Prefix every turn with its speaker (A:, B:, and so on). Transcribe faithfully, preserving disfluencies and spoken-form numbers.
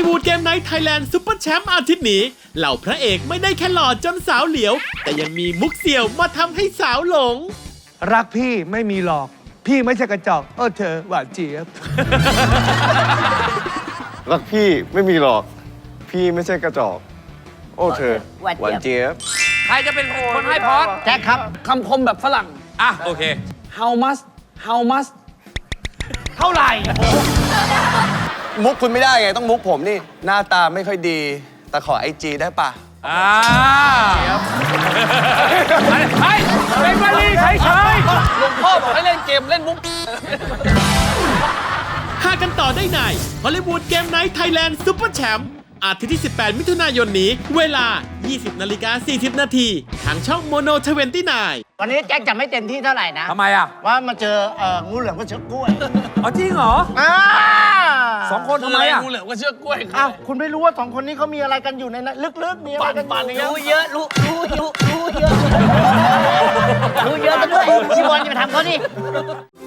A: ลีวูดเกมไนท์ไทยแลนด์ซุปเปอร์แชมป์อาทิตย์นี้เหล่าพระเอกไม่ได้แค่หล่อจนสาวเหลียวแต่ยังมีมุกเสี่ยวมาทำให้สาวหลง
B: รักพี่ไม่มีหลอกพี่ไม่ใช่กระจอกเออเธอหวานเจี๊ยบ
C: รักพี่ไม่มีหรอกพี่ไม่ใช่กระจอกโอ้เธอหวานเจี๊ยบ
D: ใครจะเป็นคนให้พอด
E: แจ็คครับคำคมแบบฝรั่ง
D: อ่ะโอเค
E: how much how much เท่าไหร่
C: มุกคุณไม่ได้ไงต้องมุกผมนี่หน้าตาไม่ค่อยดีแต่ขอไอจีได้ปะ
D: อ่าเฮ้ยเป็นวลีเฉยๆ
E: หลวงพ่อบอกให้เล่นเกมเล่นมุก
A: หากันต่อได้ในฮอลลีวูดเกมไนท์ไทยแลนด์ซุปเปอร์แชมป์อาทิตย์ที่ สิบแปด มิถุนายนนี้เวลา ยี่สิบนาฬิกาสี่สิบนาทีทางช่องโมโนทเวนตี้ไนน์
F: วันนี้แจ็คจะไม่เต็มที่เท่าไหร่นะ
D: ทำไมอ่ะ
F: ว่ามาเจอเอ่องูเหลือมกับเชือกกล้วย
D: อ๋อจริงเหรอ
F: อ่า
D: สองคนทำไมอ่ะ
E: งูเหลือมกับเชือกกล้วย
F: อ้าวคุณไม่รู้ว่าสองคนนี้เขามีอะไรกันอยู่ในนั้นลึกๆมีอะไรกันอยู่
E: รู้เยอะรู้รู้รู้รู้เยอะ
F: รู้เยอะกันด้วยพี่บอลอย่าไปทำเขาดิ